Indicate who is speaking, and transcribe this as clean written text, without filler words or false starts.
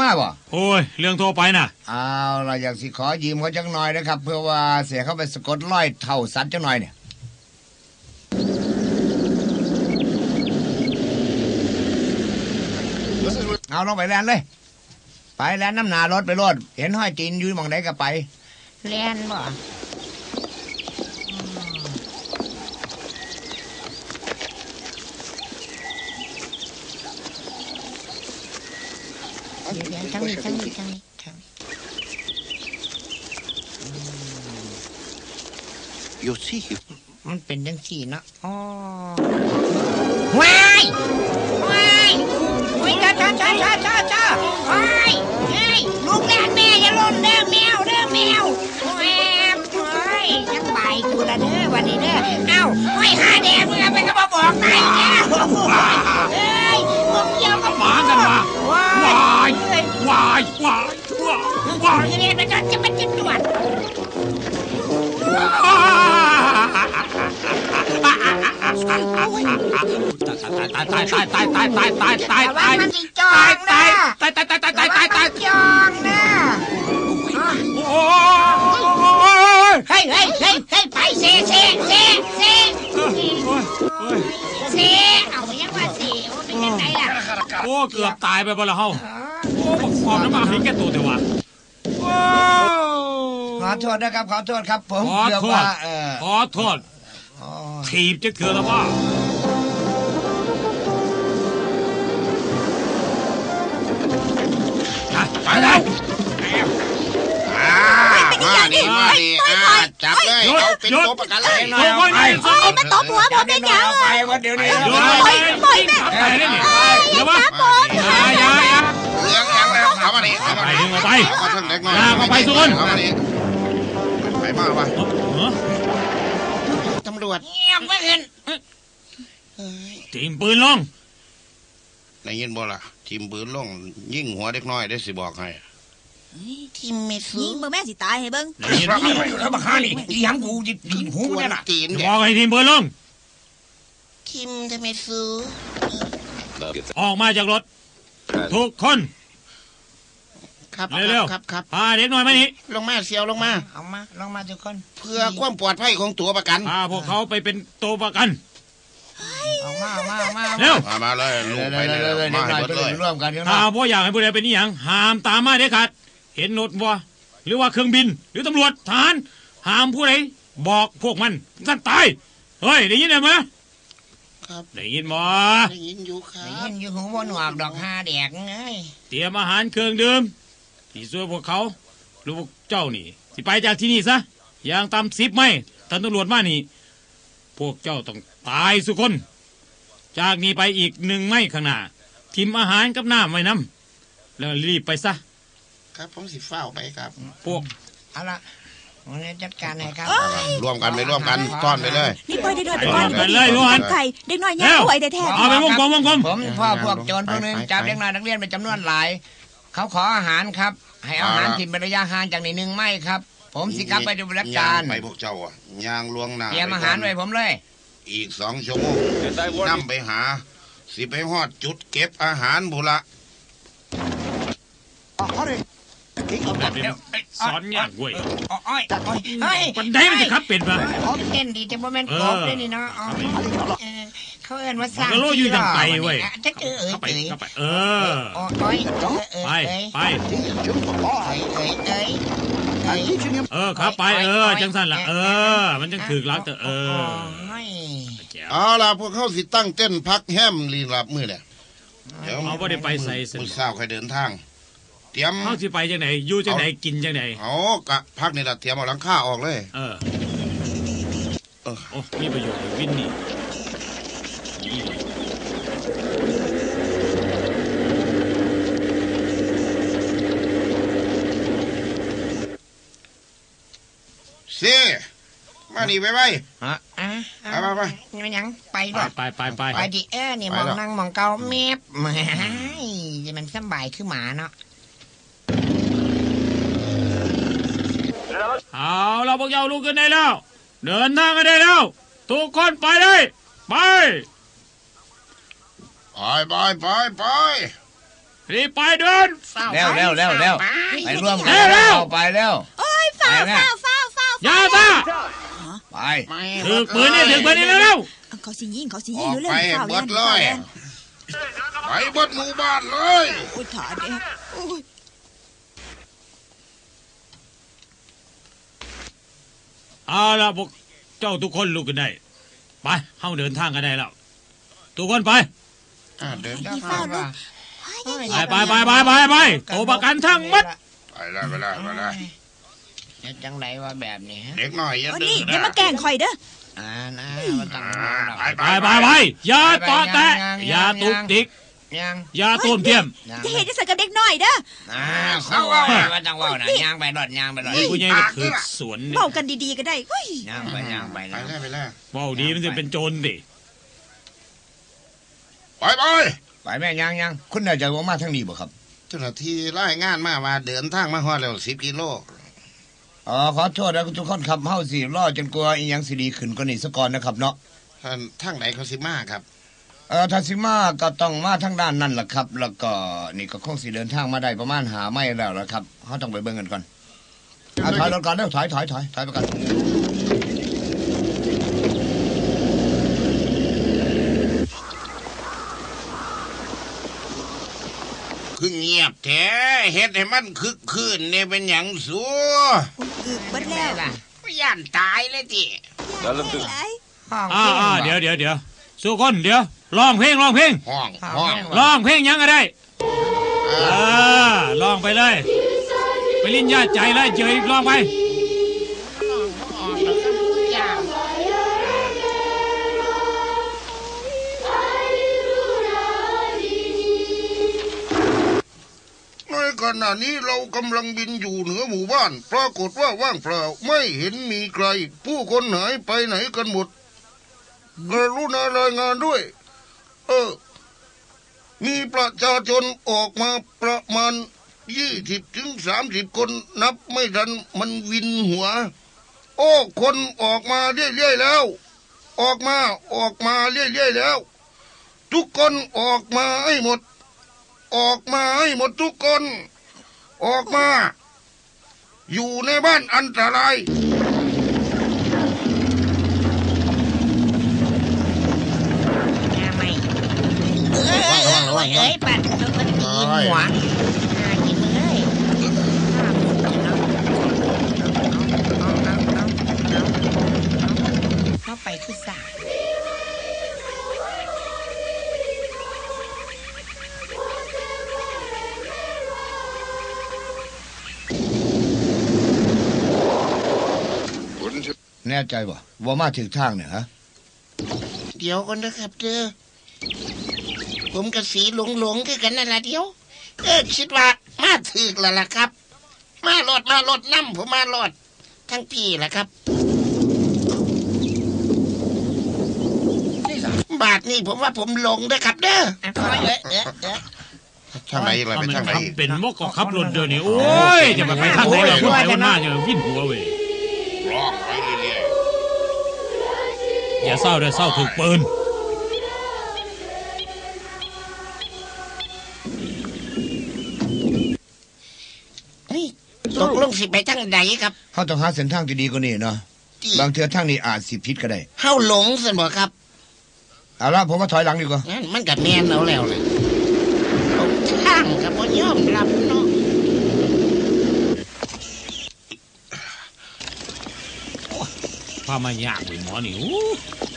Speaker 1: มาบ่
Speaker 2: โอ้ยเรื่องโทรไปน่ะ
Speaker 1: เอาเราอยากสิขอยืมเขาจังหน่อยนะครับเพื่อว่าเสียเข้าไปสะกดรอยเท่าสัตว์จังหน่อยเนี่ยเอาลงไปแลนเลยไปแลนน้ำหนารถไปรถเห็นห้อยจีนอยู่มองไหนก็ไป
Speaker 3: แลนบ่เดี๋ยวทั้งนี้
Speaker 1: อยู่สิมันเป็นจังสี่เนาะอ๋อ
Speaker 3: ว้ายจ้าว้ายเฮ้ยลูกแลนแม่อย่าล่นเด้อแมวแมวโอ้ยยังไปกูละเด้อวันนี้เด้อเอ้าโอ้ยหาแดงมึงเอาไปก็มาบอกนายแกเฮ้ยพวกเกี่ยวกับ
Speaker 2: หมากันมาว้าย
Speaker 3: เนี่ยมันจะเป็นจิตด่วน
Speaker 2: ตาย
Speaker 3: มันสิจองนะจองนะเฮ้ยไปเซเอายังว่าเซเป็นยังไงล่ะ
Speaker 2: โอ้เกือบตายไปบ่ละเฮาโอ้บอกความน้ำมันเห็นแก่ตัวเถอะวะ
Speaker 1: ขอโทษนะครับขอโทษครับผม
Speaker 2: ขอโทษถีบจะเถื่อนแล้วว่าไปเลย
Speaker 4: มาดิจับเลยเอาเป็นตัวประกันเลย
Speaker 3: มาตบหัวผมได้ยัง
Speaker 1: ไปวันเดี๋ยวนี้
Speaker 3: ปล่อยแม่
Speaker 2: เดี๋ยววะอย่า
Speaker 4: เลี้ยงยังแล้วเอามาดิ
Speaker 2: ไปดึงออกไป
Speaker 4: เอาทั้งเด็กน้อย
Speaker 2: เอาไปสุน
Speaker 4: เอามาดิไปมาวะ
Speaker 3: ตำรวจเงียบไม่เห็น
Speaker 2: ทีมปืนลง
Speaker 4: ได้ยินบ่ล่ะทีมปืนลงยิงหัวเด็กน้อยได้สิบอกให้
Speaker 3: ทีมเมซูยิงแม่สิตายให้เบิ้ง
Speaker 1: ยิงแล้วมาฆ่านี่อีหยังกูยิงหูเนี่ยน่ะ
Speaker 2: บอกให้ทีมปืนลง
Speaker 3: ทีมเมซู
Speaker 2: ออกมาจากรถทุกคน
Speaker 3: ครับ
Speaker 2: เร็วพาเด็กน้อยมานี่
Speaker 3: ลงมาเสียวลงมาลงมาทุกคน
Speaker 4: เพื่อความปลอดภัยของตัวประกัน
Speaker 2: พาพวกเขาไปเป็นตัวประกัน
Speaker 3: เอามา
Speaker 2: เร็ว
Speaker 4: มาเลยลูกไปเลยมาให้หมดเลย
Speaker 1: ร่วมกัน
Speaker 2: ถ้าพ่ออยากให้ผู้ใดเป็นนี่อย่างห้ามตามมาเด็ดขาดเห็นรถวัวหรือว่าเครื่องบินหรือตำรวจทหารห้ามผู้ใดบอกพวกมันสั้นตายเฮ้ยได้ยินไหม
Speaker 4: ครับ
Speaker 2: ได้ยินมั้
Speaker 4: ยได้ยินอยู่ครับ
Speaker 3: ได้ยินอยู่หูบนหวกดอก5แดกไง
Speaker 2: เตรียมอาหารเครื่องดื่มที่ช่วยพวกเขาหรือพวกเจ้านี่สิไปจากที่นี่ซะอย่างตาม10ไม่ท่านตำรวจมานี่พวกเจ้าต้องตายสุคนจากนี้ไปอีก1ไม่ข้างหน้าทิมอาหารกับน้ำไว้น้ำแล้วรีบไปซะ
Speaker 4: ครับผมสิเฝ้าไปครับ
Speaker 2: พวก
Speaker 3: เอาละวันนี้จัดการให้ครับ
Speaker 4: ร่วมกันต้อนไปเลย
Speaker 3: นี่ไปได้ด้วยไป
Speaker 2: กันเลยทุกคน
Speaker 3: ไข่เด็กน้อยแย่ป่วยแต่แท้
Speaker 2: เอาไปวงกลม
Speaker 1: ผมพ่อพวกโจรพวกนึงจับเด็กน้อยนักเรียนเป็นจำนวนหลายเขาขออาหารครับให้อาหารถิ่นเป็นระยะห่างจาก1ไม่ครับผมสิกลับไปดูบริการ
Speaker 4: ไปพวกเจ้าอ่ะยางลวงหน้า
Speaker 1: เตรียมอาหารไว้ผมเลย
Speaker 4: อีก2 ชั่วโมงนำไปหาสิไปฮอดจุดเก็บอาหารบุระ
Speaker 2: สอนยากเว้ย
Speaker 3: ปั
Speaker 2: นไดมันจะขับเป็นปะ
Speaker 3: เต้นดีแต่โมเมนต์กบได้นี่เนาะเขาเอิ้นว่าสร้าง
Speaker 2: โลอยู่อย่างไกลเว้ย
Speaker 3: จะเข้าไป
Speaker 2: ครับไปจังสั้นล่ะมันจังถือรักแต่
Speaker 4: เอาล่ะพวกเขาสิตั้งเต้นพักแฮมรีลับมือเนี่ย
Speaker 2: เดี๋ยวเอาบ่ได้ไปใส่
Speaker 4: มื้อเช้าใครเดินทางเตรียม
Speaker 2: เฮาสิไปจังไหนอยู่จังไหนกินจังไหน
Speaker 4: เอากะพักนี่ล่ะเตรียมเอาหลังคาออกเลย
Speaker 2: โอ้มีประโยชน์วินนี่
Speaker 4: สิมานี่ไปไป
Speaker 3: ยังไปด้วยไปดินี่มองนั่งมองเกาเมฟมันสบายคือหมาเนาะ
Speaker 2: เอาเราพวกเจ้าลุกขึ้นได้แล้วเดินทางกันได้แล้วทุกคนไปเลยไปรีบไปเดิน
Speaker 1: เร็วไปร่วมกัน
Speaker 2: เร็ว
Speaker 1: ไปเร็ว
Speaker 3: โอ้ยฝ้าว
Speaker 2: ยาตา
Speaker 1: ไป
Speaker 2: ถือปืนนี่เร็ว
Speaker 3: เขาสิยิง
Speaker 4: อ
Speaker 3: รู้
Speaker 4: อก
Speaker 3: เรื่
Speaker 4: ไป
Speaker 3: ฝ้าว
Speaker 4: เบิดเลยไปเบิดหมู่บ้านเลย
Speaker 3: โอ้ยถาเด็กโอ้ย
Speaker 2: เอาละพวกเจ้าทุกคนลุกกันได้ไปเข้าเดินทางกันได้แล้วทุกคนไป
Speaker 4: เดิน
Speaker 3: พี่ฝ้าวลูก
Speaker 2: ไปโตประกันทั้งมัด
Speaker 4: ไปแล้ว
Speaker 1: จังไรว่าแบบนี้ฮะ
Speaker 4: เด็กหน่อยอย่า
Speaker 3: โอ้
Speaker 4: ดื้
Speaker 3: นี่
Speaker 4: อ
Speaker 3: อย่ามาแกล้งข่อยเด้อ
Speaker 1: นะมันต้อง
Speaker 2: ไปอย่าต่อแตะอย่าตุกติก
Speaker 1: ยัง
Speaker 2: อย่าต้มเทียม
Speaker 3: จะเห็นจะใส่กับเด็กน้อยเด้อ
Speaker 1: เขาว่ามันต้องว่านะย่างไปรถย่างไปรถ
Speaker 2: ผู้ใหญ่ก็ถือสวนนี่
Speaker 3: เว้ากันดีๆก็ได้เฮ้ย
Speaker 1: ย่างไป
Speaker 4: ไป
Speaker 1: นะ
Speaker 4: แล้ว
Speaker 2: เว้าดีมันจะเป็นโจรดิ
Speaker 4: ไป
Speaker 1: ไปแม่ย่างคุณน่าจะว่ามาทางนี้บ่ครับ
Speaker 4: เจ้าหน้าที่รายงานมาว่าเดินทางมาฮอดแล้ว10 กิโล
Speaker 1: ขอโทษนะทุกคนครับเฮาสิรอจนกว่าอีหยังสิดีขึ้นกว่านี้ซะก่อนนะครับเนาะ
Speaker 4: ทางไหนเขาสิมาครับ
Speaker 1: ทาซิมาก็ต้องมาทางด้านนั่นแหละครับ แล้วก็นี่ก็คงสิเดินทางมาได้ประมาณหาไม่แล้วละครับเฮาต้องไปเบิ่งกันก่อนถอยรถก่อนเด้อถอยไปก่อน
Speaker 4: คือเงียบแท้เฮ็ดให้มันคึกคืนเนี่ยเป็นหยังสัว
Speaker 3: อึกเบิดแล้ว
Speaker 4: ย่านตายเลยจิ
Speaker 3: ห้อง
Speaker 2: เดี๋ยวสุคนเดี๋ยวร้องเพลง
Speaker 4: ห้อง
Speaker 2: ร้องเพลงยังก็ได้ร้องไปเลยไปลิ้นญาติใจเลยเจยร้องไป
Speaker 4: ในขณะนี้เรากำลังบินอยู่เหนือหมู่บ้านปรากฏว่าว่างเปล่าไม่เห็นมีใคร ผู้คนหายไปไหนกันหมดกรุณารายงานด้วย มีประชาชนออกมาประมาณ20-30 คนนับไม่ทันมันวินหัว คนออกมาเรื่อยๆแล้ว ออกมาเรื่อยๆแล้ว ทุกคนออกมาให้หมด ทุกคน ออกมา อยู่ในบ้านอันตราย
Speaker 3: เอ้ยปัดมันกินหัวกินเลยเข้าไปคือสา
Speaker 1: แน่ใจบ่ว่ามาถึงทางเนี่ยฮะ
Speaker 5: เดี๋ยวก่อนนะครับเด้อผมกับสีหลงคือกันนั่นละเดี๋ยวคิดว่ามาถึกแล้วล่ะครับ มารถน้ำผมมารถทั้งพี่ล่ะครับ บาทนี่ผมว่าผมหลงนะครับเด้อ
Speaker 4: ทางไหนอะไรไปทางไหน
Speaker 2: เป็นมกก็ขับรถเดี๋ยวนี้โอ้ยจะไปทางไหนล่ะคนไปคนมาเนี่ยวิ่นหัวเว้ย
Speaker 4: ร้องไปเรื่อย
Speaker 2: อย่าเศร้าเลยเศร้าถูกปืน
Speaker 5: นี่ตกลงสิไปทางไหนครับ
Speaker 1: เฮาต้องหาเส้นทางที่ดีกว่านี้เนาะบางเทื่อทางนี้อาจสิผิดก็ได้
Speaker 5: เฮาหลงสิบ่ครับ
Speaker 1: เอาละผมว่าถอยหลังดีกว่า
Speaker 5: งั้นมันกับแม่นเอาแล้วเลยผมทางกับบ่ยอมรับเนาะ
Speaker 2: พามายากเลยหมอนี่